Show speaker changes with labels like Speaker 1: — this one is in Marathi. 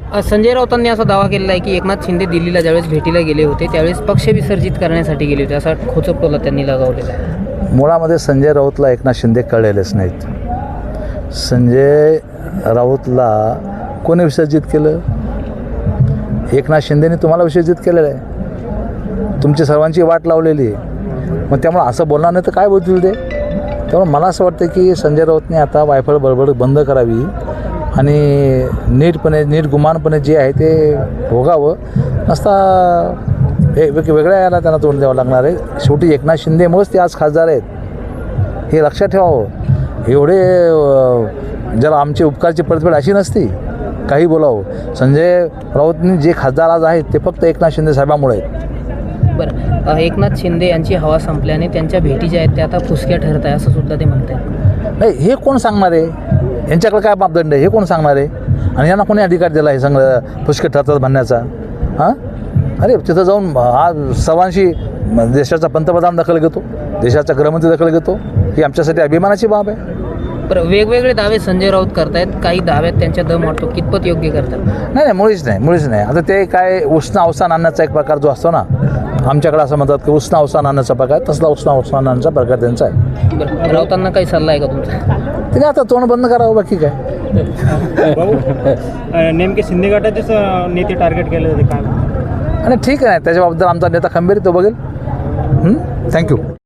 Speaker 1: संजय राऊतांनी असा दावा केलेला आहे की एकनाथ शिंदे दिल्लीला ज्यावेळेस भेटीला गेले होते त्यावेळेस पक्ष विसर्जित करण्यासाठी गेले होते, असा खोचटोला त्यांनी लगावलेला आहे.
Speaker 2: मुळामध्ये संजय राऊतला एकनाथ शिंदे कळलेलेच नाहीत. संजय राऊतला कोणी विसर्जित केलं? एकनाथ शिंदेने तुम्हाला विसर्जित केलेलं आहे. तुमची सर्वांची वाट लावलेली आहे. मग त्यामुळे असं बोलणार नाही तर काय बोलतील ते? त्यामुळे मला असं वाटतं की संजय राऊतने आता वायफळ बडबड बंद करावी आणि नीट गुमानपणे जे आहे ते भोगावं. नसता वेगळ्या याला त्यांना तोंड द्यावं लागणार आहे. शेवटी एकनाथ शिंदेमुळेच ते आज खासदार आहेत, हे लक्षात ठेवावं. एवढे ज्याला आमची उपकारची परतफेड अशी नसती, काही बोलावं. संजय राऊतनी जे खासदार आज आहेत ते फक्त एकनाथ शिंदे साहेबांमुळे आहेत.
Speaker 1: बरं, एकनाथ शिंदे यांची हवा संपल्याने त्यांच्या भेटी ज्या आहेत त्या आता फुसक्या ठरत आहे असं सुद्धा ते म्हणत आहेत.
Speaker 2: नाही, हे कोण सांगणार आहे? यांच्याकडे काय मापदंड आहे हे कोण सांगणार आहे? आणि यांना कोणी अधिकार दिला आहे सगळं फुसके ठरतात म्हणण्याचा? हां, अरे तिथं जाऊन आज सर्वांशी देशाचा पंतप्रधान दखल घेतो, देशाचा गृहमंत्री दखल घेतो, ही आमच्यासाठी अभिमानाची बाब आहे.
Speaker 1: बरं, वेगवेगळे दावे संजय राऊत करतायत, काही दाव्यात त्यांच्या दम वाटतो, कितपत योग्य करतात?
Speaker 2: नाही, मुळीच नाही. आता ते काय उष्ण अवसान आणण्याचा एक प्रकार जो असतो ना, आमच्याकडे असं म्हणतात की उष्ण अवसान आणण्याचा प्रकार, तसला उष्ण अवसान आणण्याचा प्रकार त्यांचा आहे.
Speaker 1: बरं, राऊतांना काही सल्ला आहे का तुमचा?
Speaker 2: तिने आता तोंड बंद करावं, बाकी काय.
Speaker 3: भाऊ, नेमके शिंदे गटाचेच नेते टार्गेट केले होते काय?
Speaker 2: आणि ठीक आहे, त्याच्याबद्दल आमचा नेता खंबीर तो बघेल. थँक्यू.